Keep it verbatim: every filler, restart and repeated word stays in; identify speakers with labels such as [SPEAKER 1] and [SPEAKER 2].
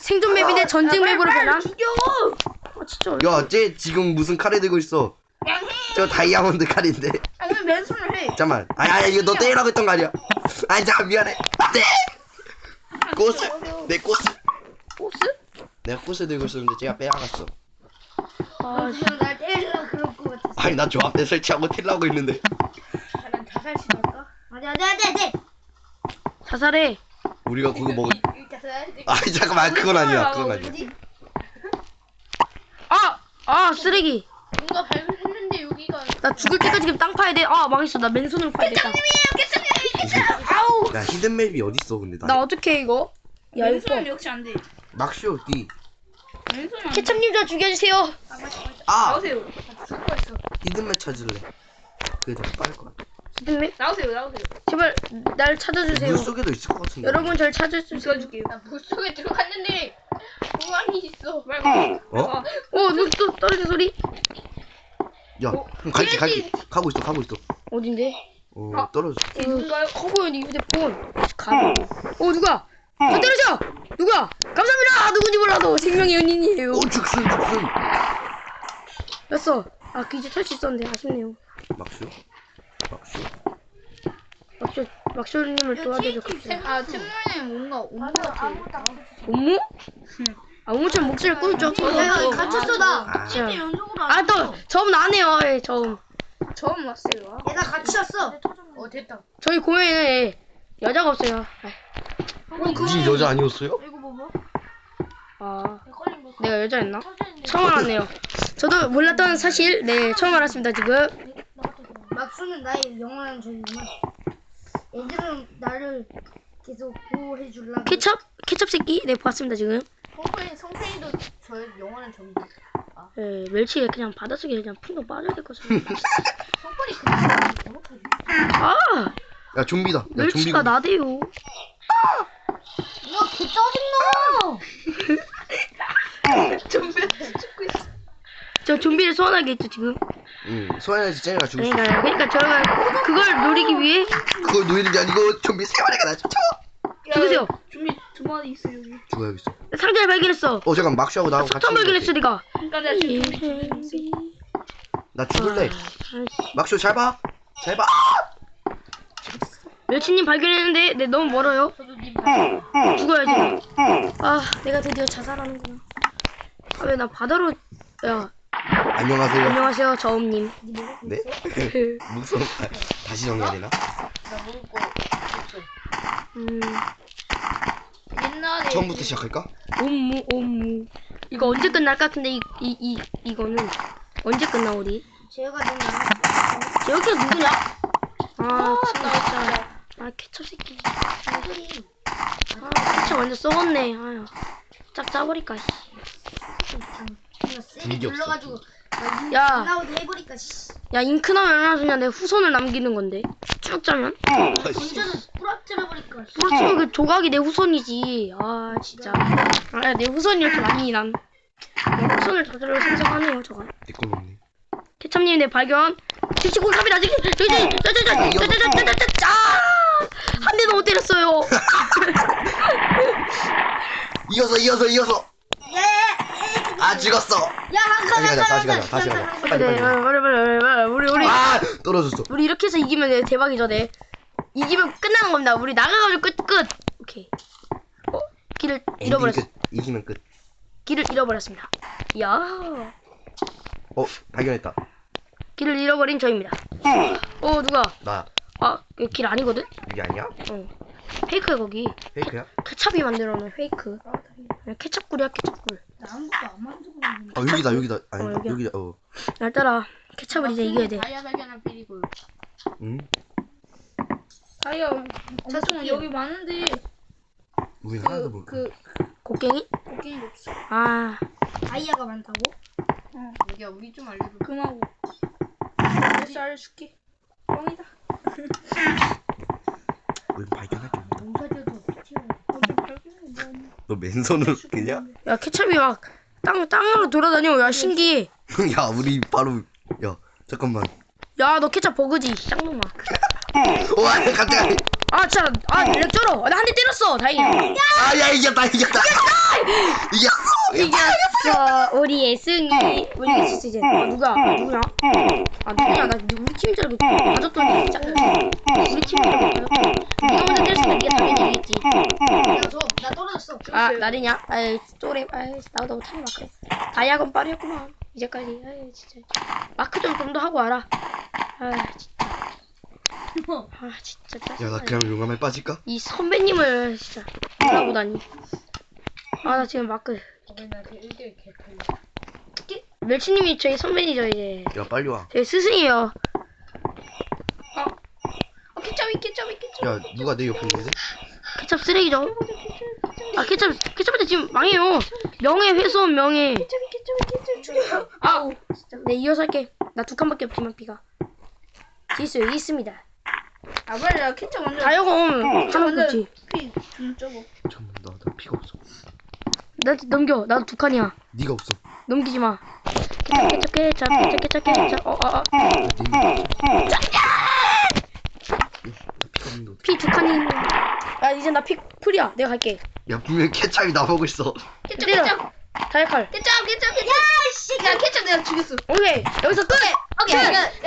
[SPEAKER 1] 생존 맵인데 전쟁 맵으로 변함.
[SPEAKER 2] 죽여.
[SPEAKER 1] 아 진짜.
[SPEAKER 3] 야, 쟤 지금 무슨 칼을 들고 있어?
[SPEAKER 2] 그냥 해.
[SPEAKER 3] 저 다이아몬드 칼인데.
[SPEAKER 2] 아니 맨손을 해.
[SPEAKER 3] 잠깐만. 아니, 아니, 이거 너 때리라고 했던 거 아니야? 아니, 잠깐 미안해. 네. 꽃을, 내 꽃을.
[SPEAKER 1] 보스?
[SPEAKER 3] 내가 꽃을 들고 있었는데 쟤가 빼앗았어.
[SPEAKER 1] 아
[SPEAKER 2] 그냥 날 때리려 그럴 것 같았어.
[SPEAKER 3] 아니, 나 조합대 설치하고 틸라고 있는데.
[SPEAKER 2] 난 자살 시도할까? 안돼 안돼 안돼 안돼.
[SPEAKER 1] 자살해.
[SPEAKER 3] 우리가 그거 먹을.
[SPEAKER 2] 자살.
[SPEAKER 3] 아니, 잠깐만. 그건 아니야. 그건 아니야.
[SPEAKER 2] 어디?
[SPEAKER 1] 아! 아 쓰레기.
[SPEAKER 2] 뭔가 발견했는데 여기가.
[SPEAKER 1] 나 죽을 때까지 지금 땅 파야 돼. 아 망했어. 나 맨손으로 파야 되겠다.
[SPEAKER 2] 아우.
[SPEAKER 3] 야, 히든맵이 어딨어, 근데 나.
[SPEAKER 1] 나 어떻게 해 이거? 야 이거.
[SPEAKER 2] 맨손은 역시 안 돼.
[SPEAKER 3] 막쇼, 디.
[SPEAKER 2] 맨손은 안 돼.
[SPEAKER 1] 케첩님 저 죽여주세요.
[SPEAKER 3] 아!
[SPEAKER 2] 나오세요. 죽을 뻔했어.
[SPEAKER 3] 히든맵 찾을래. 그게 더 빠를 것 같아.
[SPEAKER 1] 히든맵
[SPEAKER 2] 나오세요 나오세요.
[SPEAKER 1] 제발 날 찾아주세요.
[SPEAKER 3] 물 속에도 있을 것 같은데.
[SPEAKER 1] 여러분 절 찾아주세요.
[SPEAKER 2] 죽여줄게요. 나 물속에 들어갔는데 보안이 있어. 말고.
[SPEAKER 3] 어?
[SPEAKER 1] 어또 떨어진 소리?
[SPEAKER 3] 야,
[SPEAKER 2] 어?
[SPEAKER 3] 그럼 갈게, 갈게. 가고 있어, 가고 있어.
[SPEAKER 1] 어딘데?
[SPEAKER 3] 어,
[SPEAKER 2] 아.
[SPEAKER 3] 떨어져.
[SPEAKER 1] 이건가요? 커보여 네 휴대폰. 가. 어 누가? 저 때려줘. 누가? 감사합니다. 누군지 몰라도 생명의 연인이에요.
[SPEAKER 3] 오, 죽순, 죽순.
[SPEAKER 1] 됐어. 아 그 이제 탈 수 있었는데 아쉽네요.
[SPEAKER 3] 막쇼? 막쇼?
[SPEAKER 1] 막쇼 막쇼님을 도와줘줘.
[SPEAKER 2] 아 틈만에 뭔가 온것 같아.
[SPEAKER 1] 엄무? 아 엄무처럼 목소리 꿀쩍.
[SPEAKER 2] 내가 갇혔어 나.
[SPEAKER 3] 아.
[SPEAKER 2] 진짜 연속으로 안
[SPEAKER 1] 아또 처음 나네요. 예, 처음.
[SPEAKER 2] 처음 왔어요. 얘나 갇혔어. 어 됐다.
[SPEAKER 1] 저희 공연에 여자가 없어요.
[SPEAKER 3] 니 여자 아니었어요?
[SPEAKER 2] 이거 봐봐.
[SPEAKER 1] 아 내가 여자였나? 처음 알았네요. 저도 몰랐던 사실 네 처음 알았습니다 지금.
[SPEAKER 2] 막수는 나의 영원한 전이구만. 얘들은 나를 계속 보호해 줄라.
[SPEAKER 1] 케첩? 케첩 새끼? 네 봤습니다 지금.
[SPEAKER 2] 성팬 성팬이도 저의 영원한 전이다.
[SPEAKER 1] 예 멸치에 그냥 바닷속에 그냥 풍덩 빠져야 될 것같아.
[SPEAKER 2] 성팬이 그냥 잘못하지.
[SPEAKER 1] 아
[SPEAKER 3] 야, 좀비다. 야,
[SPEAKER 1] 멸치가
[SPEAKER 3] 좀비.
[SPEAKER 1] 나대요.
[SPEAKER 2] 야, 개 짜증나. 좀비 죽고 있어.
[SPEAKER 1] 저 좀비를 소환하게 했죠 지금.
[SPEAKER 3] 응, 소환해야지 쟤네가 죽을 수 있어.
[SPEAKER 1] 그러니까 그러니까 저희가 그걸 노리기 위해
[SPEAKER 3] 그걸 노리는 게 아니고 좀비 세 마리가 나 쳐.
[SPEAKER 1] 죽으세요.
[SPEAKER 2] 좀비 두 마리 있어 여기.
[SPEAKER 3] 죽어야겠어.
[SPEAKER 1] 상자를 발견했어.
[SPEAKER 3] 어, 잠깐 막쇼하고 나하고 같이.
[SPEAKER 1] 석탄 발견했어
[SPEAKER 3] 있는 것
[SPEAKER 1] 니가.
[SPEAKER 2] 그러니까 내가 지금 좀비 죽이고 있어.
[SPEAKER 3] 같아. 나 죽을래.
[SPEAKER 1] 아,
[SPEAKER 3] 막쇼 잘 봐. 잘 봐.
[SPEAKER 1] 멸치님 발견했는데 네 너무 멀어요.
[SPEAKER 2] 저도 님
[SPEAKER 1] 죽어야지. 아 내가 드디어 자살하는구나. 아 왜 나 바다로 야
[SPEAKER 3] 안녕하세요.
[SPEAKER 1] 안녕하세요 저음님.
[SPEAKER 3] 네? 무서워. 다시 정해야 되나?
[SPEAKER 2] 나 모를 거 없어.
[SPEAKER 1] 음
[SPEAKER 2] 옛날에
[SPEAKER 3] 처음부터 시작할까?
[SPEAKER 1] 옴무 옴무. 이거 언제 끝날 것 같은데 이 이 이 이거는 언제 끝나 우리?
[SPEAKER 2] 제가 너무
[SPEAKER 1] 여기가 누구냐? 아 진짜. 아 케첩 새끼.
[SPEAKER 2] 양들이
[SPEAKER 1] 아 케첩 완전 썩었네. 아유 짝 짜버릴까. 씨.
[SPEAKER 2] 그냥 세게
[SPEAKER 3] 분위기 없어.
[SPEAKER 2] 눌러가지고
[SPEAKER 1] 야.
[SPEAKER 2] 나오도 해버릴까. 씨.
[SPEAKER 1] 야 잉크 나면 얼마나 좋냐. 내 후손을 남기는 건데 쭉 짜면
[SPEAKER 2] 혼자서 부러뜨려버릴까. 씨.
[SPEAKER 1] 그렇지 그 조각이 내 후손이지. 아 진짜 아 내 후손이 이렇게 많이 난 내 후손을 저절로 생성하네요 저가.
[SPEAKER 3] 내거 먹네.
[SPEAKER 1] 케첩님 내 발견. 씩씩고 갑니다. 저기 저기 저기 저기 저기 저기 저기 짜. 한 대도 못 때렸어요.
[SPEAKER 3] 이어서 이어서 이어서.
[SPEAKER 2] 예.
[SPEAKER 3] 아, 죽었어.
[SPEAKER 2] 야, 한
[SPEAKER 3] 다시 가자. 다시
[SPEAKER 2] 칸,
[SPEAKER 3] 가자. 다시 가자. 빨리
[SPEAKER 1] 그래
[SPEAKER 3] 빨리.
[SPEAKER 1] 빨리 빨리 빨리 빨리 우리 우리
[SPEAKER 3] 아, 떨어졌어.
[SPEAKER 1] 우리 이렇게 해서 이기면 돼. 대박이죠 네. 이기면 끝나는 겁니다. 우리 나가가지고 끝 끝. 오케이. 어 길을 잃어버렸어.
[SPEAKER 3] 엔딩 끝. 이기면 끝.
[SPEAKER 1] 길을 잃어버렸습니다. 야
[SPEAKER 3] 어, 발견했다.
[SPEAKER 1] 길을 잃어버린 저입니다. 어 누가?
[SPEAKER 3] 나
[SPEAKER 1] 아 길 아니거든?
[SPEAKER 3] 이게 아니야?
[SPEAKER 1] 어 페이크야 거기.
[SPEAKER 3] 페이크야?
[SPEAKER 1] 케찹이 만들어놓은 페이크. 그냥 케찹꿀이야 케찹꿀.
[SPEAKER 2] 나 아무것도 안 만들고 있는데.
[SPEAKER 3] 아, 여기다 여기다. 아니,
[SPEAKER 1] 어, 여기야.
[SPEAKER 3] 여기다. 어.
[SPEAKER 1] 날 따라 케찹을 이제 이겨야 돼.
[SPEAKER 2] 다이아 발견할 필이고.
[SPEAKER 3] 응?
[SPEAKER 2] 다이아 엄청 여기 많은데
[SPEAKER 3] 우리 하나도 못.
[SPEAKER 2] 그
[SPEAKER 1] 곡괭이?
[SPEAKER 2] 곡괭이 없어.
[SPEAKER 1] 아
[SPEAKER 2] 다이아가 많다고? 어. 여기야 우리 좀 알려줘. 금하고. 몇 알려줄게. 뻥이다.
[SPEAKER 3] 우리 발견할 줄 몰라.
[SPEAKER 2] 농사지어도 어떻게
[SPEAKER 3] 너 맨손으로 그냐?
[SPEAKER 1] 야 케찹이 막 땅 땅으로 돌아다녀. 야 신기해.
[SPEAKER 3] 야, 우리 바로. 야, 잠깐만.
[SPEAKER 1] 야 너 케찹 버그지 쌍놈아.
[SPEAKER 3] 와, 갑자기.
[SPEAKER 1] 아 진짜 아렉 쩔어. 나 한 대 때렸어 다행이야.
[SPEAKER 3] 아, 야, 이겼다 이겼다. 이겼어.
[SPEAKER 1] 이겼어. 우리의 승리. 우리 이겼어 이제. 아 누가? 아, 누구냐? 아 누구냐? 나 우리 팀인 줄 알고 가졌더니 진짜 우리 팀인 줄 알고 가졌더니 누가 먼저 때렸으면 네가 당연히 이겼지.
[SPEAKER 2] 야저나 떨어졌어.
[SPEAKER 1] 아 나르냐? 아이 쪼래. 아이 나보다 못하는 마크. 다이아건 빠르구만. 이제까지. 아이 진짜. 마크 좀 좀 더 하고 와라. 아 진짜. 아 진짜 짜증나.
[SPEAKER 3] 야 나 그냥 용암에 빠질까?
[SPEAKER 1] 이 선배님을 진짜 알아보다니. 아 나 지금 마크.
[SPEAKER 2] 맨날 그 일 대 일 개팔려.
[SPEAKER 1] 멸치님이 저희 선배이죠 이제.
[SPEAKER 3] 야 빨리 와.
[SPEAKER 1] 저희 스승이에요.
[SPEAKER 2] 어 케첩이 케첩이 케첩.
[SPEAKER 3] 야 누가 내 옆에 있는데?
[SPEAKER 1] 케첩 쓰레기죠. 아 케첩 케첩한테 지금 망해요. 명예훼손 명예.
[SPEAKER 2] 케첩이 케첩이 케첩 죽여.
[SPEAKER 1] 아, 네 이어서 할게. 나 두 칸밖에 없지만 피가. 지수 여기 있습니다.
[SPEAKER 2] 아 빨리 나 케첩 먼저.
[SPEAKER 1] 다이아건 하나 없지.
[SPEAKER 2] 피좀 적어.
[SPEAKER 3] 잠깐만 나, 나 피가 없어.
[SPEAKER 1] 나 넘겨. 나도 두 칸이야.
[SPEAKER 3] 네가 없어.
[SPEAKER 1] 넘기지 마. 케첩 케첩 케첩 케첩 케첩 케첩. 어, 어, 어.
[SPEAKER 3] 야, 네가 없어. 나 피가 없는데 어떡해.
[SPEAKER 1] 피 두 칸이. 아 이제 나 피 풀이야. 내가 갈게.
[SPEAKER 3] 야 분명 케찹이 나보고 있어.
[SPEAKER 2] 케첩
[SPEAKER 1] 때려.
[SPEAKER 2] 케첩
[SPEAKER 1] 다이칼.
[SPEAKER 2] 케첩 케첩 케첩. 야씨 야 케첩 내가 죽였어.
[SPEAKER 1] 오케이 여기서 끝.
[SPEAKER 2] 오케이.
[SPEAKER 1] 끝.
[SPEAKER 2] 끝.